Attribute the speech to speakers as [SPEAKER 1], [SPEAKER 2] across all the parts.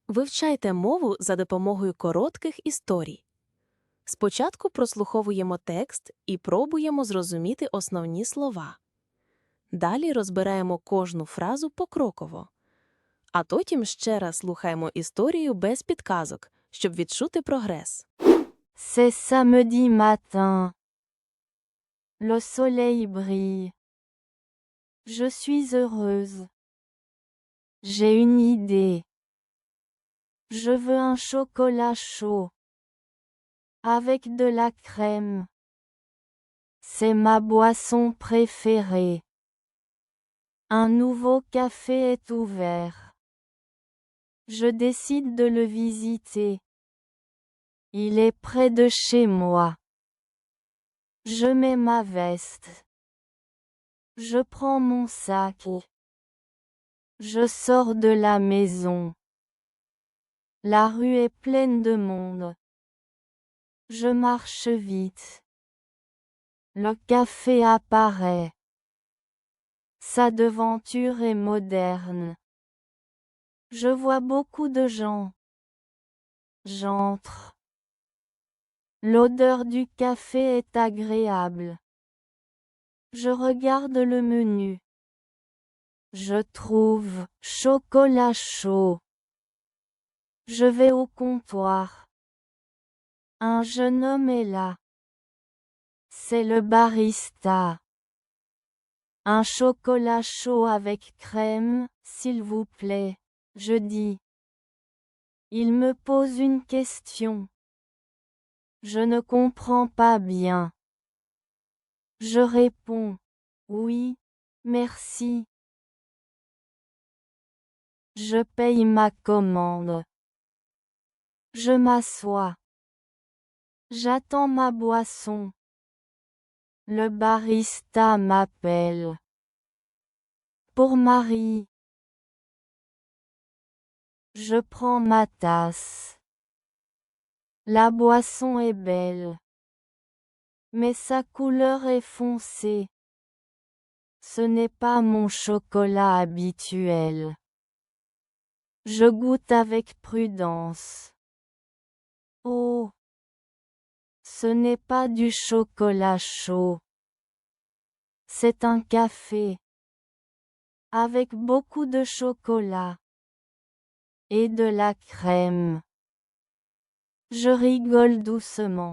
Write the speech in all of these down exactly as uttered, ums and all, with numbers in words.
[SPEAKER 1] Вивчайте мову за допомогою коротких історій. Спочатку прослуховуємо текст і пробуємо зрозуміти основні слова. Далі розбираємо кожну фразу покроково. А потім ще раз слухаємо історію без підказок, щоб відчути прогрес.
[SPEAKER 2] C'est samedi matin. Le soleil brille. Je suis heureuse. J'ai une idée. Je veux un chocolat chaud. Avec de la crème. C'est ma boisson préférée. Un nouveau café est ouvert. Je décide de le visiter. Il est près de chez moi. Je mets ma veste. Je prends mon sac. Je sors de la maison. La rue est pleine de monde. Je marche vite. Le café apparaît. Sa devanture est moderne. Je vois beaucoup de gens. J'entre. L'odeur du café est agréable. Je regarde le menu. Je trouve chocolat chaud. Je vais au comptoir. Un jeune homme est là. C'est le barista. Un chocolat chaud avec crème, s'il vous plaît, je dis. Il me pose une question. Je ne comprends pas bien. Je réponds. Oui, merci. Je paye ma commande. Je m'assois. J'attends ma boisson. Le barista m'appelle. Pour Marie. Je prends ma tasse. La boisson est belle. Mais sa couleur est foncée. Ce n'est pas mon chocolat habituel. Je goûte avec prudence. Oh! Ce n'est pas du chocolat chaud. C'est un café. Avec beaucoup de chocolat. Et de la crème. Je rigole doucement.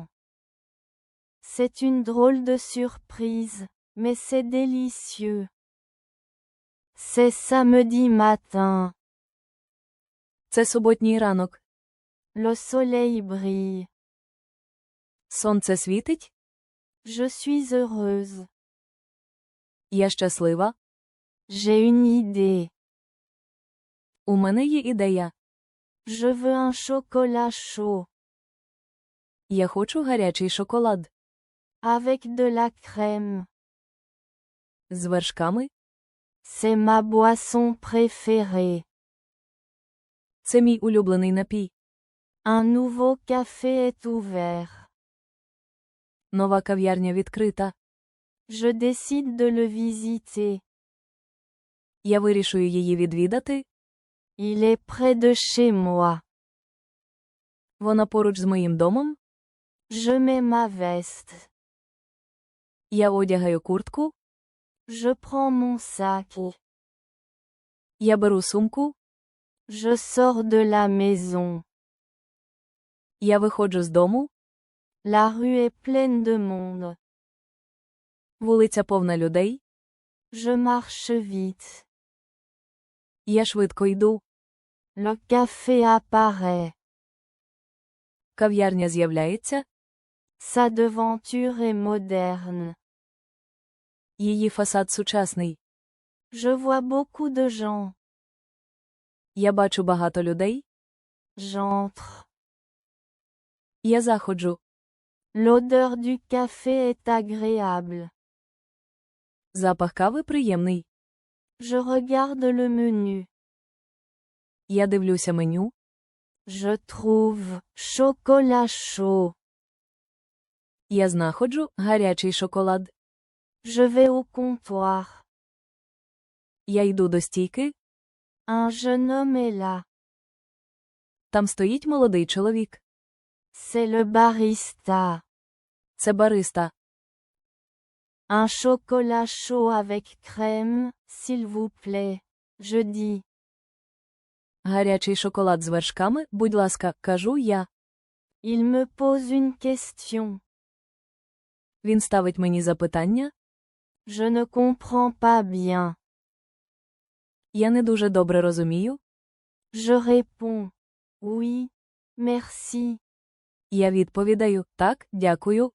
[SPEAKER 2] C'est une drôle de surprise, mais c'est délicieux. C'est samedi matin.
[SPEAKER 1] Це суботній ранок.
[SPEAKER 2] Le soleil brille.
[SPEAKER 1] Сонце світить.
[SPEAKER 2] Je suis heureuse.
[SPEAKER 1] Я щаслива.
[SPEAKER 2] J'ai une idée.
[SPEAKER 1] У мене є ідея.
[SPEAKER 2] Je veux un chocolat chaud.
[SPEAKER 1] Я хочу гарячий шоколад.
[SPEAKER 2] Avec de la crème.
[SPEAKER 1] З вершками.
[SPEAKER 2] C'est ma boisson préférée.
[SPEAKER 1] Це мій улюблений напій.
[SPEAKER 2] Un nouveau café est ouvert.
[SPEAKER 1] Нова кав'ярня відкрита.
[SPEAKER 2] Je décide de le visiter.
[SPEAKER 1] Я вирішую її відвідати.
[SPEAKER 2] Il est près de chez moi.
[SPEAKER 1] Вона поруч з моїм домом.
[SPEAKER 2] Je mets ma veste.
[SPEAKER 1] Я одягаю куртку.
[SPEAKER 2] Je prends mon sac.
[SPEAKER 1] Я беру сумку.
[SPEAKER 2] Je sors de la maison.
[SPEAKER 1] Я виходжу з дому.
[SPEAKER 2] La rue est pleine de monde.
[SPEAKER 1] Вулиця повна людей.
[SPEAKER 2] Je marche vite.
[SPEAKER 1] Я швидко йду.
[SPEAKER 2] Le café apparaît.
[SPEAKER 1] Кав'ярня з'являється.
[SPEAKER 2] Sa devanture est moderne.
[SPEAKER 1] Її фасад сучасний.
[SPEAKER 2] Je vois beaucoup de gens.
[SPEAKER 1] Я бачу багато людей.
[SPEAKER 2] J'entre.
[SPEAKER 1] Я заходжу.
[SPEAKER 2] L'odeur du café est agréable.
[SPEAKER 1] Запах кави приємний.
[SPEAKER 2] Je regarde le menu.
[SPEAKER 1] Я дивлюся меню.
[SPEAKER 2] Je trouve chocolat chaud.
[SPEAKER 1] Я знаходжу гарячий шоколад.
[SPEAKER 2] Je vais au comptoir.
[SPEAKER 1] Я йду до стійки.
[SPEAKER 2] Un jeune homme est là.
[SPEAKER 1] Там стоїть молодий чоловік.
[SPEAKER 2] C'est le barista.
[SPEAKER 1] Це бариста.
[SPEAKER 2] Un chocolat chaud avec crème, s'il vous plaît. Je dis.
[SPEAKER 1] Гарячий шоколад з вершками, будь ласка, кажу я.
[SPEAKER 2] Il me pose une question.
[SPEAKER 1] Він ставить мені запитання.
[SPEAKER 2] Je ne comprends pas bien.
[SPEAKER 1] Я не дуже добре розумію.
[SPEAKER 2] Je réponds. Oui. Merci.
[SPEAKER 1] Я відповідаю, так, дякую.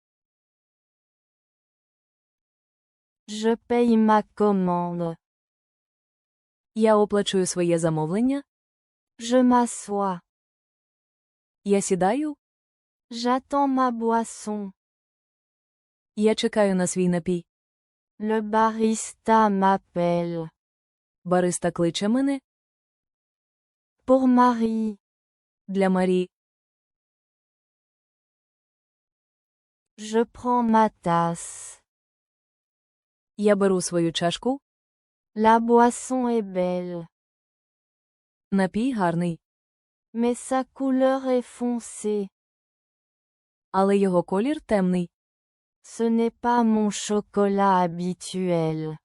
[SPEAKER 2] Je paye ma commande.
[SPEAKER 1] Я оплачую своє замовлення.
[SPEAKER 2] Je m'assois.
[SPEAKER 1] Я сідаю.
[SPEAKER 2] J'attends ma boisson.
[SPEAKER 1] Я чекаю на свій напій.
[SPEAKER 2] Le barista m'appelle.
[SPEAKER 1] Бариста кличе мене.
[SPEAKER 2] Pour Marie.
[SPEAKER 1] Для Марії.
[SPEAKER 2] Je prends ma tasse.
[SPEAKER 1] Я беру свою чашку.
[SPEAKER 2] La boisson est belle.
[SPEAKER 1] Напій гарний.
[SPEAKER 2] Mais sa couleur est foncée.
[SPEAKER 1] Але його колір темний.
[SPEAKER 2] Ce n'est pas mon chocolat habituel.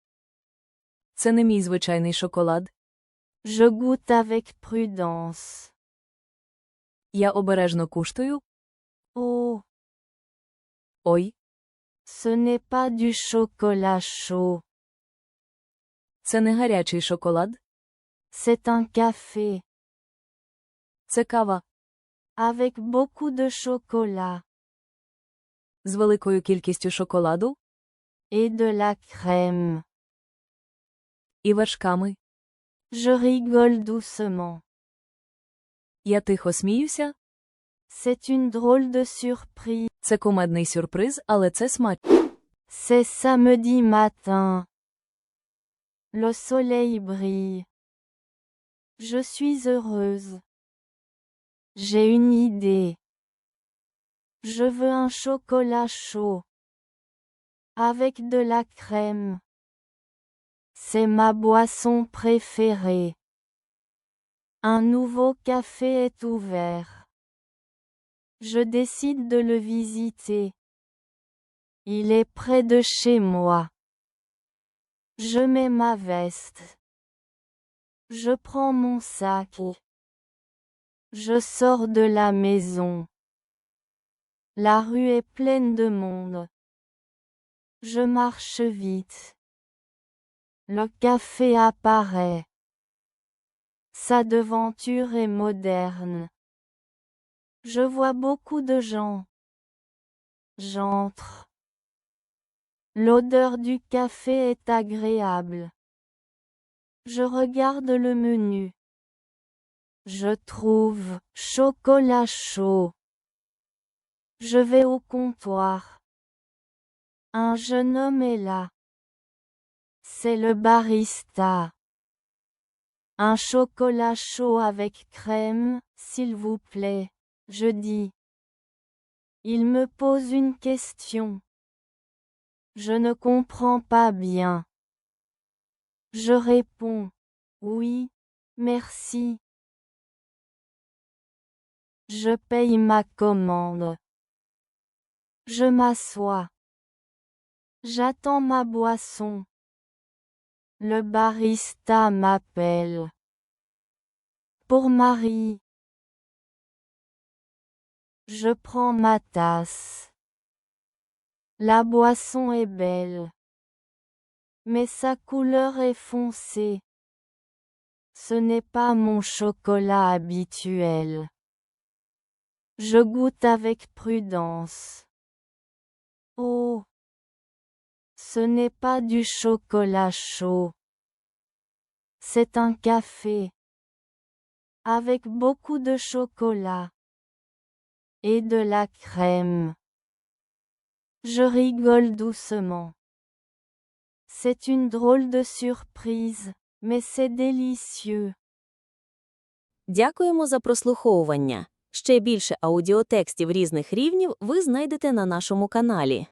[SPEAKER 1] Це не мій звичайний шоколад.
[SPEAKER 2] Je goûte avec prudence.
[SPEAKER 1] Я обережно куштую.
[SPEAKER 2] Oh.
[SPEAKER 1] Ой.
[SPEAKER 2] Ce n'est pas du chocolat chaud.
[SPEAKER 1] Це не гарячий шоколад.
[SPEAKER 2] C'est un café.
[SPEAKER 1] Це кава.
[SPEAKER 2] Avec beaucoup de chocolat.
[SPEAKER 1] З великою кількістю шоколаду.
[SPEAKER 2] Et de la crème.
[SPEAKER 1] І вершками.
[SPEAKER 2] Je rigole doucement.
[SPEAKER 1] Я тихо сміюся.
[SPEAKER 2] C'est une drôle de surprise.
[SPEAKER 1] Це кумедний сюрприз, але це смачно.
[SPEAKER 2] C'est samedi matin. Le soleil brille. Je suis heureuse. J'ai une idée. Je veux un chocolat chaud. Avec de la crème. C'est ma boisson préférée. Un nouveau café est ouvert. Je décide de le visiter. Il est près de chez moi. Je mets ma veste. Je prends mon sac. Je sors de la maison. La rue est pleine de monde. Je marche vite. Le café apparaît. Sa devanture est moderne. Je vois beaucoup de gens. J'entre. L'odeur du café est agréable. Je regarde le menu. Je trouve chocolat chaud. Je vais au comptoir. Un jeune homme est là. C'est le barista. Un chocolat chaud avec crème, s'il vous plaît, je dis. Il me pose une question. Je ne comprends pas bien. Je réponds. Oui, merci. Je paye ma commande. Je m'assois. J'attends ma boisson. Le barista m'appelle. Pour Marie. Je prends ma tasse. La boisson est belle. Mais sa couleur est foncée. Ce n'est pas mon chocolat habituel. Je goûte avec prudence. Oh! Ce n'est pas du chocolat chaud. C'est un café. Avec beaucoup de chocolat. Et de la crème. Je rigole doucement. C'est une drôle de surprise, mais c'est délicieux.
[SPEAKER 1] Дякуємо за прослуховування. Ще більше аудіотекстів різних рівнів ви знайдете на нашому каналі.